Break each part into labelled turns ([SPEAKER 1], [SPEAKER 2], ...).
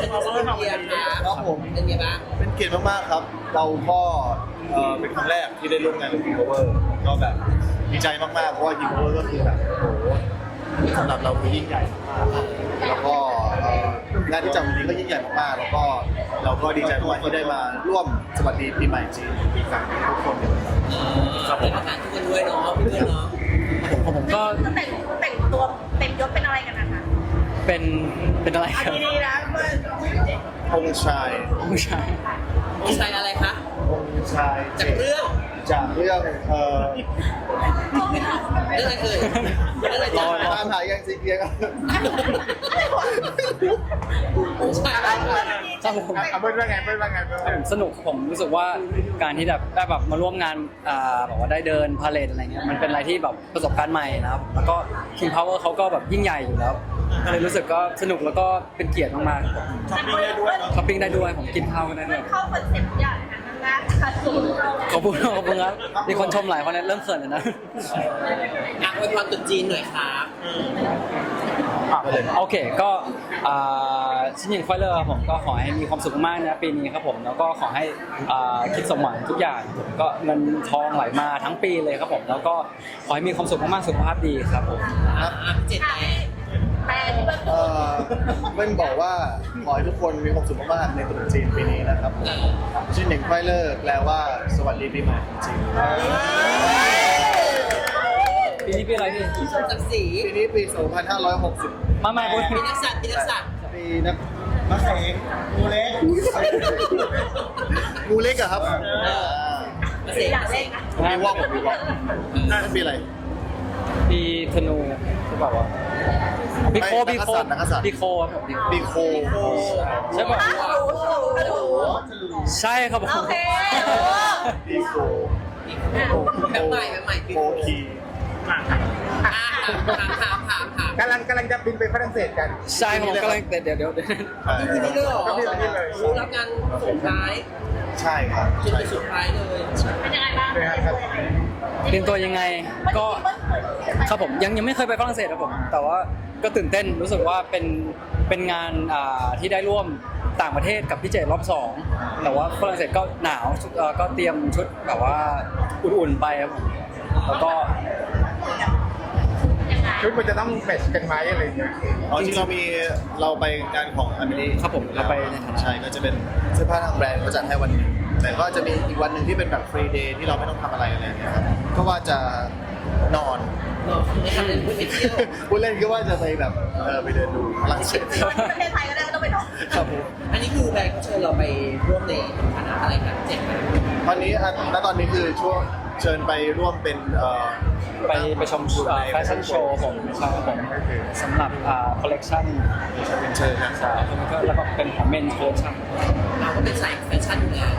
[SPEAKER 1] เป็นพาวเวอร์ของเรียนครับผมเป็นไงบ้าง
[SPEAKER 2] เป็นเกียรติมากๆครับเราก็เป็นครั้งแรกที่ได้ร่วมงานกับ King Power ก็แบบดีใจมากๆเพราะว่า King Power ก็คือแบบโอ้โหสำหรับเราคือยิ่งใหญ่มากแล้วก็งานที่จัดวันนี้ก็ยิ่งใหญ่มากๆแล้วก็เราก็ดีใจมากที่ได้มาร่วมสวัสดีปีใหม่จีนปีกลางทุกคนกัน
[SPEAKER 1] ครับผมประธานทุกคนด้วยเนาะพี่ด้วยเนาะ
[SPEAKER 3] ผมก็
[SPEAKER 4] แต่งตัวเต็มยศเป็นอะไรกันนะคะ
[SPEAKER 3] เป็นอะไรครับ
[SPEAKER 4] ดีๆนะเพื่อน
[SPEAKER 2] องค์ชาย
[SPEAKER 3] ผู้ชาย
[SPEAKER 1] พี่ชายอะไรคะ
[SPEAKER 2] องค์ชาย
[SPEAKER 1] จากเรื่อง
[SPEAKER 2] จากเรื่อง
[SPEAKER 1] เรื่องอะไรเอ่ยเรื่องอะไรจ้า
[SPEAKER 2] ตามหายังซีเกียร์
[SPEAKER 1] ใช่อะไร
[SPEAKER 3] ครับผม
[SPEAKER 2] เบิ้ลว่าไง
[SPEAKER 3] สนุกผมรู้สึกว่าการที่แบบได้แบบมาร่วมงานแบบว่าได้เดินพาเลทอะไรเงี้ยมันเป็นอะไรที่แบบประสบการณ์ใหม่นะครับแล้วก็ King Power เขาก็แบบยิ่งใหญ่อยู่แล้วก็เลยรู้สึกก็สนุกแล้วก็เป็นเกียรติมากๆช้อปปิ้งได้ด้วยผมกินข้าวก็ได้ด้วย
[SPEAKER 4] เข้าคอนเซ็ปต์อย่างนั้นนะขาดสูงเรา
[SPEAKER 3] ขอบคุณครับมีคนชมหลายคนนะเริ่มเขินแล้วนะ
[SPEAKER 1] อยากอวยพรตุ๊จีนหน่อยครับ
[SPEAKER 3] โอเคก็ชิ้นยิงไฟเลอร์ผมก็ขอให้มีความสุขมากนะปีนี้ครับผมแล้วก็ขอให้คิดสมหวังทุกอย่างก็เงินทองไหลมาทั้งปีเลยครับผมแล้วก็ขอให้มีความสุขมากๆสุขภาพดีครับผม
[SPEAKER 1] เจ็ด
[SPEAKER 4] แต่ที่เบิ้ล
[SPEAKER 2] เบิ้ลบอกว่าขอให้ทุกคนมีความสุขมากๆในตรุษจีนปีนี้นะครับชื่อหนึ่งไฟเลอร์แปลว่าสวัสดีปีใหม่จีน
[SPEAKER 3] ปีนี้ปีอะไรพี่
[SPEAKER 1] ศักดิ์ศรี
[SPEAKER 2] ปีนี้ปี 2560
[SPEAKER 3] มาพูด
[SPEAKER 1] ปีนักสัตว์ปีนักสัตว์
[SPEAKER 2] ปีนักนักแข่งงูเล็กงูเล็กอะครับ
[SPEAKER 1] เกษตร
[SPEAKER 4] อยากเล่นนะ
[SPEAKER 2] ปีวอกนั่นปีอะไร
[SPEAKER 3] ปีธนูใช่ป่าวะปีโค
[SPEAKER 2] นักกษัตริย์
[SPEAKER 3] ปีโคครับผม
[SPEAKER 2] ปีโค
[SPEAKER 3] ใช่ป่ะ
[SPEAKER 4] รู้
[SPEAKER 3] ใช่ครับผม
[SPEAKER 4] โอเค
[SPEAKER 2] ปีโค
[SPEAKER 1] แบบใหม่แบบใหม่ปี
[SPEAKER 2] โคคี
[SPEAKER 1] ถาม
[SPEAKER 5] กำลังจะบินไปฝรั่งเศสกัน
[SPEAKER 3] ใช่ครับผมกำลังเดี๋ยว
[SPEAKER 1] ปีนี้เลยเหรอรู้รับงานส่งท้าย
[SPEAKER 2] ใช่ครับ
[SPEAKER 1] จนไปสุดท้ายเลย
[SPEAKER 4] เป็นยังไงบ้าง
[SPEAKER 3] เตรียมตัวยังไงก็ครับผมยังไม่เคยไปฝรั่งเศสครับผมแต่ว่าก็ตื่นเต้นรู้สึกว่าเป็นงานที่ได้ร่วมต่างประเทศกับพี่เจรอบ2แต่ว่าฝรั่งเศสก็หนาวก็เตรียมชุดแบบว่าอุ่นๆไปครับผมแล้วก็
[SPEAKER 5] ชุดมันจะต้องแมทช์กันไหมอะไรอย่างเงี้ย
[SPEAKER 2] อ๋อจริงเราไปงานของอเมริ
[SPEAKER 3] ครับผมเราไปในฐานะ
[SPEAKER 2] ใช่ก็จะเป็นเสื้อผ้าทางแบรนด์เขาจัดให้วันหนึงแต่ก็จะมีอีกวันหนึ่งที่เป็นแบบฟรีเดย์ที่เราไม่ต้องทำอะไรอะไรอย่างเงี้ยครับก็ว่าจะนอน
[SPEAKER 1] ไม่ทำเลยไม่เที่ยว
[SPEAKER 2] ผู้เล่นก็ว่าจะไปแบบไปเดินดูฝรั่งเศส
[SPEAKER 4] ประเทศไทยก็ได้ไม่ต้องไปท่อง
[SPEAKER 2] ครับผม
[SPEAKER 1] อันนี้คือแบงค์เชิญเราไปร่วมในฐานะอะไรครับเจ็ดไหม
[SPEAKER 2] ตอนนี้คือช่วงเชิญไปร่วมเป็น
[SPEAKER 3] ไปชมแฟชั่นโชว์ผมใช่ครับผมสำหรับคอลเลกชัน
[SPEAKER 2] เป็นเชิญนะ
[SPEAKER 3] ใช่แล้วก็เป็นของเมนคอลเลกชัน
[SPEAKER 1] เราก็เป็นสายแฟชั่นอยู่แล้ว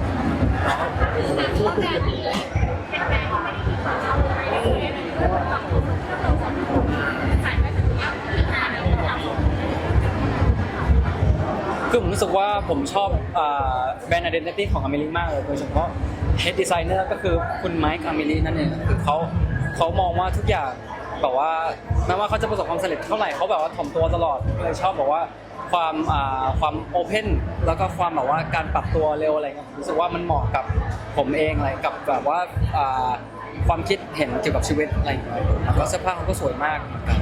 [SPEAKER 3] คือผมรู้สึกว่าผมชอบแบรนด์ identity ของอเมริกมากเลยโดยเฉพาะ head designer ก็คือคุณไมค์อเมรินั่นเองคือเขามองว่าทุกอย่างแบบว่าแม้ว่าเขาจะประสบความสำเร็จเท่าไหร่เขาแบบว่าถ่อมตัวตลอดเลยชอบบอกว่าความโอเพนแล้วก็ความแบบว่าการปรับตัวเร็วอะไรเงี้ยผมรู้สึกว่ามันเหมาะกับผมเองอะไรกับแบบว่าความคิดเห็นเกี่ยวกับชีวิตอะไรอย่างเงี้ยแล้วก็เสื้อผ้าเขาก็สวยมากเหมือนกัน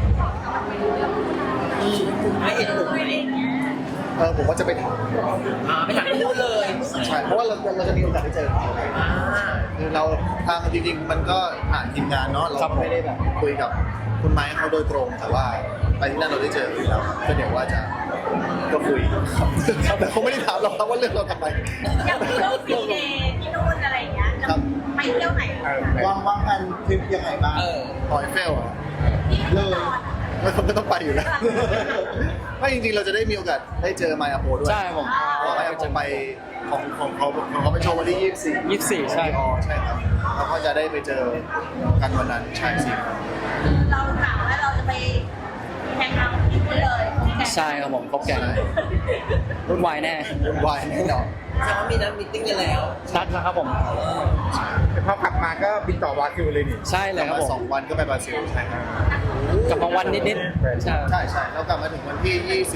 [SPEAKER 1] ไม่เห็นผมไหม
[SPEAKER 2] ผมว่าจะไปถาม
[SPEAKER 1] ไปถามที่นู่นเลย
[SPEAKER 2] ใช่เพราะว่าเราจะมีโอกาสได้เจอเขาคือเราทางจริงๆมันก็ผ่านทีมงานเนาะเราไม่ได้แบบคุยกับคุณไม้เขาโดยตรงแต่ว่าไปที่นั่นเราได้เจออยู่แล้วก็เดี๋ยวว่าจะก็คุยครับแต่เขาไม่ได้ถามเราครับว่าเรื่องเราทำไม
[SPEAKER 4] อยากไปเที่ยวฟรีเดย์ที่นู่นอะไรอย่างเงี้ยไปเที่ยวไหน
[SPEAKER 2] วางแผนทริปยังไงบ้างหอยเฟลอ่ะ
[SPEAKER 4] เลย
[SPEAKER 2] ไม่ต้องไปอยู่แล้วไม่จริงๆเราจะได้มีโอกาสได้เจอไมอาโปด้วย
[SPEAKER 3] ใช่ผม
[SPEAKER 2] ไมอาโปไปของเขาไปโชว์วันที่24
[SPEAKER 3] ใช่
[SPEAKER 2] อ๋อใช่ครับเราก็จะได้ไปเจอกันวันนั้นใช่สิ
[SPEAKER 4] เรากะว่าเราจะไปแข่งขันที่นู่นเลย
[SPEAKER 3] ใช่ครับผมครบแก๊งวุ่นวายแน่
[SPEAKER 2] วุ่นวายแน่นอน
[SPEAKER 1] แสดงว่ามีนัดมีตติ้งกันแล้ว
[SPEAKER 3] นัดแล้วครับผม
[SPEAKER 5] แต่พอกลับมาก็บินต่อบราซิลเลยนี่
[SPEAKER 3] ใช่เลยครับ
[SPEAKER 2] มา
[SPEAKER 3] ผม
[SPEAKER 2] 2 วันก็ไปบราซิลใช่ครับ
[SPEAKER 3] กลับมาวันนิดๆใช่
[SPEAKER 2] ใช่เรากลับมาถึงวันที่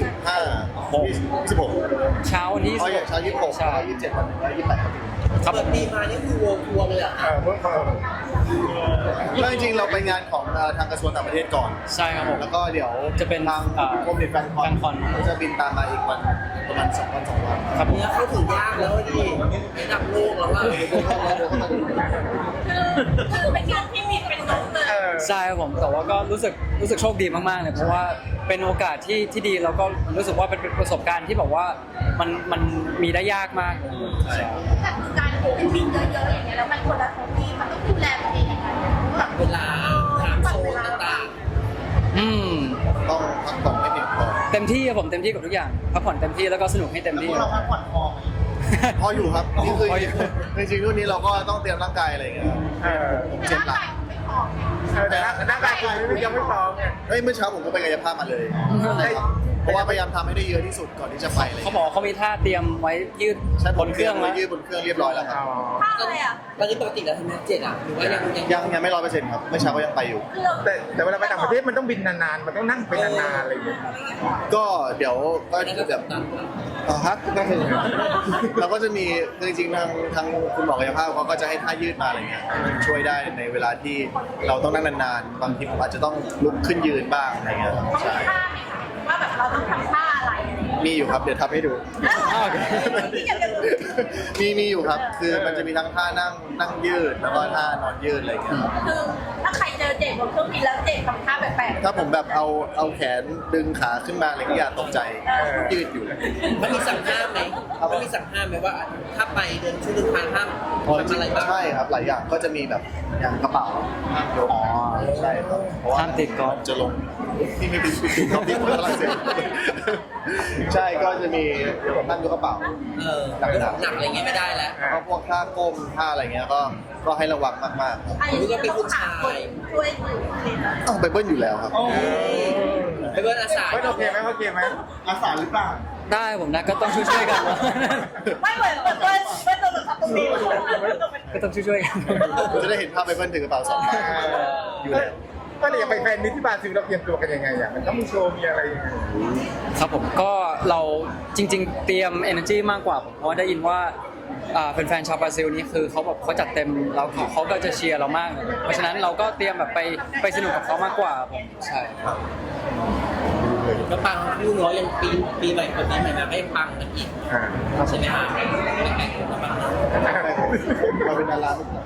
[SPEAKER 2] 26
[SPEAKER 3] เช้าวันที่
[SPEAKER 2] เขาอย่างเช้า26
[SPEAKER 3] ใช่
[SPEAKER 2] แล้ว27วันแล้ว28ครับ
[SPEAKER 3] ครับผ
[SPEAKER 1] เปิด
[SPEAKER 3] ม
[SPEAKER 1] ปีมานี่คือวงทัวร์เลยเหรอ
[SPEAKER 5] เพิ่ม
[SPEAKER 2] ก็จริงๆเราไปงานของทางกระทรวงต่างประเทศก่อน
[SPEAKER 3] ใช่ครับผม
[SPEAKER 2] แล้วก็เดี๋ยว
[SPEAKER 3] จะเป็น
[SPEAKER 2] ทางกรมเด็กแฟนคอน
[SPEAKER 3] แฟนคอน
[SPEAKER 2] เขาจะบินตามมาอีกวันประมาณ2 วัน 2 วัน
[SPEAKER 3] ครับผม
[SPEAKER 1] เนี่ยเข้าถึงยากแล้วดิระดับโลกแล้วว่า
[SPEAKER 4] คือเป็นงานที่มีเป็นนกเลย
[SPEAKER 3] ใช่ครับผมแต่ว่าก็รู้สึกโชคดีมากๆเลยเพราะว่าเป็นโอกาสที่ดีแล้วก็รู้สึกว่าเป็นประสบการณ์ที่แบบว่ามันมีได้ยากมากเลยใช่
[SPEAKER 4] แต่การเป็นบินเยอะๆอย่างเงี้ยแล้วมันคนละท้องที่มันต้องดูแลตัวเองยังไงแบบ
[SPEAKER 1] เวลาถามโซนต่าง
[SPEAKER 3] อืม
[SPEAKER 2] ต้องพักผ่อนให้เพียงพอ
[SPEAKER 3] เต็มที่ครับผมเต็มที่กับทุกอย่างพักผ่อนเต็มที่แล้วก็สนุกให้เต็มที่
[SPEAKER 2] เราพักผ่อนพออยู่ครับนี่คือ
[SPEAKER 3] พออยู่
[SPEAKER 2] จริงๆรุ่นนี้เราก็ต้องเตรียมร่างกายอะไรอย่างเงี้ย ผมเจ็บหลัง
[SPEAKER 5] แต่ร่างกายคุณยังไม่พร้อมไง
[SPEAKER 2] เฮ้ยเมื่อเช้าผมก็ไปกายภาพมาเลยใช่ครับเพราะว่าพยายามทำให้ได้เยอะที่สุดก่อนที่จะไปเลย
[SPEAKER 3] เขาบอกเขามีท่าเตรียมไว้ยืด
[SPEAKER 2] ใช่
[SPEAKER 3] บนเครื่อง
[SPEAKER 2] ไว้
[SPEAKER 3] แล้ว
[SPEAKER 2] ยืดบนเครื่องเรียบร้อยแล้วครับ
[SPEAKER 4] ท่าอะไรอ่ะ
[SPEAKER 1] ๆตอนนี้ปกติแล้วทำไมเจ็ดอ่ะหรือว่ายัง
[SPEAKER 2] ไม่100%ครับเมื่อเช้าก็ยังไปอยู่
[SPEAKER 4] คือเรา
[SPEAKER 5] แต่เวลาไปต่างประเทศมันต้องบินนานๆ มันต้องนั่งไปนานๆอะไรอย่างเงี้ย
[SPEAKER 2] ก็เดี๋ยวก็
[SPEAKER 1] ไม่ได้
[SPEAKER 2] แบ
[SPEAKER 1] แบบ บนั้น
[SPEAKER 2] ฮะเราก็จะมีคือจริงๆทางคุณหมอกายภาพเขาก็จะให้ท่ายืดมาอะไรเงี้ยมันช่วยได้ในเวลาที่เราต้องนั่งนานๆบางทีผมอาจจะต้องลุกขึ้นยืนบ้างอะไรเงี้ย
[SPEAKER 4] เขามี
[SPEAKER 2] ใช่
[SPEAKER 4] ท่าไหมคะว่าแบบเราต้องทำท่าอะไรอะไรอย่างเงี้ย
[SPEAKER 2] มีอยู่ครับเดี๋ยวทำให้ดู
[SPEAKER 3] อ้าวโอเค
[SPEAKER 4] ที่จะเป็น
[SPEAKER 2] มีอยู่ครับ คือมันจะมีทั้งท่านั่งยืดแล้วก็ท่านอนยืดอะไรอย่างเงี้ยครับ
[SPEAKER 4] คือถ้าใครเจอเจดบนเครื่องบินแล้วเจดทำท่าแปลกๆ
[SPEAKER 2] ถ้าผมแบบเอาแขนดึงขาขึ้นมาอะไรก็อย่าตกใจยืดอยู่
[SPEAKER 1] มันมีสั่งห้ามไหมมันมีสั่งห้ามไหมว่า ถ้าไปเดินช่วงเดินทางห้ามทำอะไรบ้าง
[SPEAKER 2] ใช่ครับหลายอย่างก็จะมีแบบอย่างกระเป๋าห้ามยกใช่ครับเพราะว่า
[SPEAKER 3] ห้ามติดก๊อฟ
[SPEAKER 2] จะลงที่ไม่ติดก๊อฟที่ฝรั่งเศสใช่ก็จะมีห้ามยกกระเป๋า
[SPEAKER 1] หนักอะไรเงี้ยไม่ได้แล้ว
[SPEAKER 2] แล้วก็พวกท่าก้มท่าอะไรเงี้ยก็ให้ระวังมากๆครับ
[SPEAKER 4] อันนี้ก็เป็นผู้ชายช่วยถือเลยนะ
[SPEAKER 2] ต้องไปเบิ้ลอยู่แล้วครับ
[SPEAKER 1] ไปเบิร์นอาสา
[SPEAKER 5] ไม่โอเคไหมโอเคไหม
[SPEAKER 2] อาสาหรือเปล่า
[SPEAKER 3] ได้ผมนะก็ต้องช่วยๆกัน
[SPEAKER 4] ไม่เหมือนไม่ตัวแบบตรงนี้
[SPEAKER 3] ก็ต้องช่วยๆกัน
[SPEAKER 2] จะได้เห็นภาพไปเบิ้ลถือกระเป๋า2 ใบอยู่แล้ว
[SPEAKER 5] ก็เลยอยากไปแฟนมิตรที่บราซิลเราเตรียมตัวกันยังไงอ่ะมันต้องมีโชว์มีอะไรยังไง
[SPEAKER 3] ครับผมก็เราจริง ๆ เตรียม energy มากกว่าผมเพราะว่าได้ยินว่าแฟนๆชาวบราซิลนี่คือเขาจัดเต็มแล้วเขาก็จะเชียร์เรามากเลยเพราะฉะนั้นเราก็เตรียมแบบไปสนุกกับเขามากกว่าผมใช่ครับ
[SPEAKER 1] ก็ปังพี่น้อยยังปีใหม่ปีใหม่มาก็ยังปังกันอีกใช่ไหมฮะแบ่งๆกันปัง
[SPEAKER 2] เราเป็นดาราทุกคน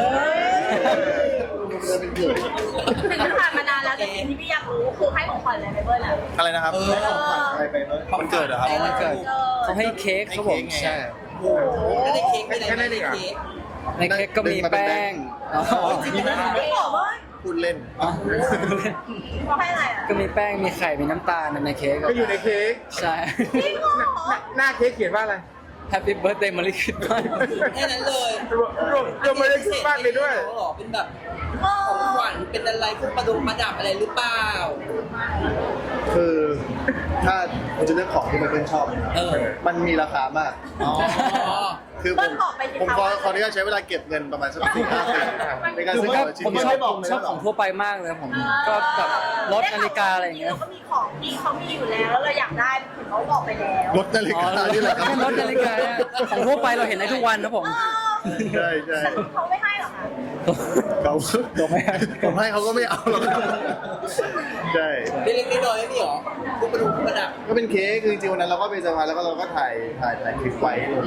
[SPEAKER 2] เราเป็นเกิด
[SPEAKER 4] ถึงมันผ่านมานานแล้วแต่สิ่งที่พี่อยากรู้คือให้ของขวัญอะไรไปเบิร์นอ่ะ
[SPEAKER 2] อะไรนะครับอะไรไปเนอะมันเกิดเหรอครับ
[SPEAKER 3] วันเกิดเขาให้เค้กครับผมใช่
[SPEAKER 1] โอ้โหแล้วในเค้กมีอะไรบ้างในเค้ก
[SPEAKER 3] ในเค้กก็มีแป้งอ๋อ
[SPEAKER 4] ไม่บอกว่า
[SPEAKER 2] พูดเล่น
[SPEAKER 3] อ๋อ
[SPEAKER 4] เขาให้อะไรอ่ะ
[SPEAKER 3] ก็มีแป้งมีไข่มีน้ำตาลในเค้ก
[SPEAKER 5] ก็อยู่ในเค้ก
[SPEAKER 3] ใช่
[SPEAKER 4] จริงเหรอ
[SPEAKER 5] หน้าเค้กเขียนว่าอะไร
[SPEAKER 3] Happy Birthday Merry Christmas
[SPEAKER 1] แค่นั้นเลย
[SPEAKER 5] รวมไปเลยคิดมากเลยด้วย
[SPEAKER 1] หรอเป็นแบบของขวัญเป็นอะไรพวกประดับอะไรหรือเปล่า
[SPEAKER 2] คือถ้าผมจะเลือกของที่มันเป็นชอบ มันมีราคามาก
[SPEAKER 1] อ๋อ
[SPEAKER 2] คือผมขออนุญาตใช้เวลาเก็บเงินประมาณสัก4-5 ปีในการซื้อของชิ้น
[SPEAKER 3] ผม
[SPEAKER 2] เดียว
[SPEAKER 3] ชอบของทั่วไปมากเลยผมก็แบบรถนาฬิกาอะไรอย่างเงี้ย
[SPEAKER 4] เราก็มีของที่เขามีอยู่แล้วแล้วเราอยากได้ถึงเขาบอกไปแล้ว
[SPEAKER 2] รถนาฬิกานี่แหละครับ
[SPEAKER 3] แค่รถนาฬิกาเนี่ยของทั่วไปเราเห็นได้ทุกวันนะผม
[SPEAKER 2] ใช่ใช่
[SPEAKER 4] แต่เขาไม่ให้หรอคะ
[SPEAKER 2] เขาไม่ให้ผมให้เขาก็ไม่เอาหรอกใช่
[SPEAKER 1] เล็กๆน้อยๆนี่หรอพวกประดับ
[SPEAKER 2] ก็เป็นเค้กคือจริงๆวันนั้นเราก็ไปเซอร์ไพรส์แล้วก็เราก็ถ่ายคลิปไว้ลง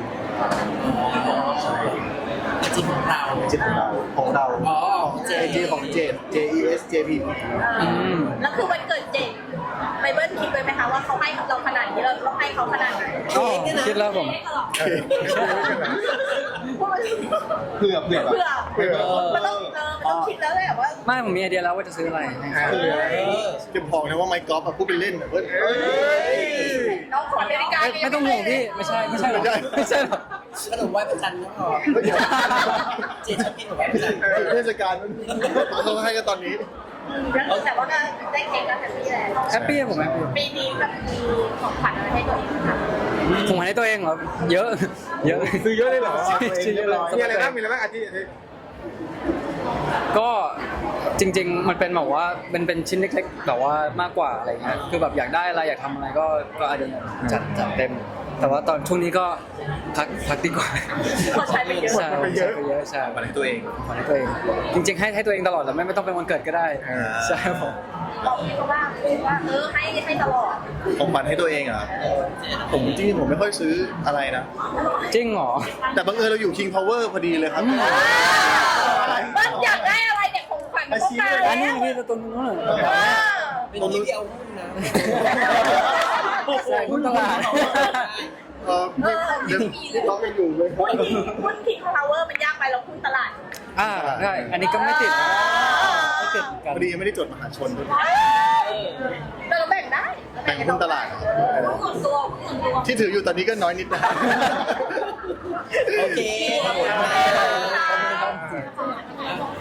[SPEAKER 1] จริงของเรา
[SPEAKER 2] จิตของเรา
[SPEAKER 1] อ๋อ
[SPEAKER 2] เจของเจด JES JP
[SPEAKER 4] แล้วคือวันเกิดเจนไปเบิ้ลคิดไว้ไหมคะว่าเขาให้เราขนาดนี้เราต้องให้เขาขนาดไหน
[SPEAKER 3] อ๋อคิดแล้วผม
[SPEAKER 2] เผื่อ
[SPEAKER 4] เพื่อมันต้องคิดแล้วเลยว่า
[SPEAKER 3] ไม่ผมมีไอเดียแล้วว่าจะซื้ออะไร
[SPEAKER 2] จะบอกนะว่าไมค์กอล์ฟพูดไปเล่นแบบว่า
[SPEAKER 4] น้องขอนาฬิกา
[SPEAKER 3] ไม่ต้องห่วงพี่ไม่ใช่หรอก
[SPEAKER 1] ขนมไหว้พระจันทร์ก็พอเจนชอบกินขนมไหว้พระจันทร์
[SPEAKER 2] เทศกาลเขาให้กันตอนนี้
[SPEAKER 4] แล้วแต่ว่าก็ได้เค้กแล้วแฮปปี้แล้ว
[SPEAKER 3] แฮปปี้ผมแฮปปี้
[SPEAKER 4] ปีนี้แบบมีของขวัญอะไรให้ตัวเองไหมคะ
[SPEAKER 3] ผมให้ตัวเองเหรอเยอะเยอะ
[SPEAKER 5] ซื้อเยอะเลยเหรอ
[SPEAKER 3] ซื้อเยอะเลย
[SPEAKER 5] มีอะไรบ้างมีอะไรบ้างอาทิตย์
[SPEAKER 3] ก็จริง ๆ มันเป็นแบบว่าเป็นชิ้นเล็กๆแบบว่ามากกว่าอะไรเงี้ยคือแบบอยากได้อะไรอยากทำอะไรก็อาจจะจัดเต็ม แต่ว่าตอนช่วงนี้ก็พักดีกว่า
[SPEAKER 4] เขาใช้ไปเยอะ
[SPEAKER 3] ใช่ใช้ไปเยอะใช่
[SPEAKER 2] มาให้ตัวเอง
[SPEAKER 3] ให้ตัวเองจริงๆให้ตัวเองตลอดแหละไม่ต้องเป็นวันเกิดก็ได้ใช่ครับผม
[SPEAKER 4] บอกพี่เขาว่าให้ตลอด
[SPEAKER 2] ของขวัญให้ตัวเองอ่ะผมจริงๆผมไม่ค่อยซื้ออะไรนะ
[SPEAKER 3] จริงเหรอ
[SPEAKER 2] แต่บังเอิญเราอยู่ King Power พอดีเลยครับ
[SPEAKER 4] มันอยากได้อะไรเนี่ยของขวัญมันต้องการ
[SPEAKER 3] อันนี้
[SPEAKER 4] แล้ว
[SPEAKER 3] นี่ตัวนู้นเหรอ
[SPEAKER 1] เป็นที่ที่เอาหุ้นนะ
[SPEAKER 3] ใช่หุ้นตลาด
[SPEAKER 2] ไม่เดี๋ยวต้องไปอยู่เลย
[SPEAKER 4] หุ้นทิ้งพาวเวอร์มันยากไปเราหุ้นตลาด
[SPEAKER 3] ได้อันนี้ก็ไม่ติดไม่ติดกัน
[SPEAKER 2] พอดียังไม่ได้จดมหาชนด้วย
[SPEAKER 4] แต่เราแบ่งได้
[SPEAKER 2] แบ่งหุ้นตลาด
[SPEAKER 4] หุ้นส่วนตัวหุ้นส่วนตัว
[SPEAKER 2] ที่ถืออยู่ตอนนี้ก็น้อยนิดนะ
[SPEAKER 1] โอเค
[SPEAKER 4] ขอบคุณค่ะ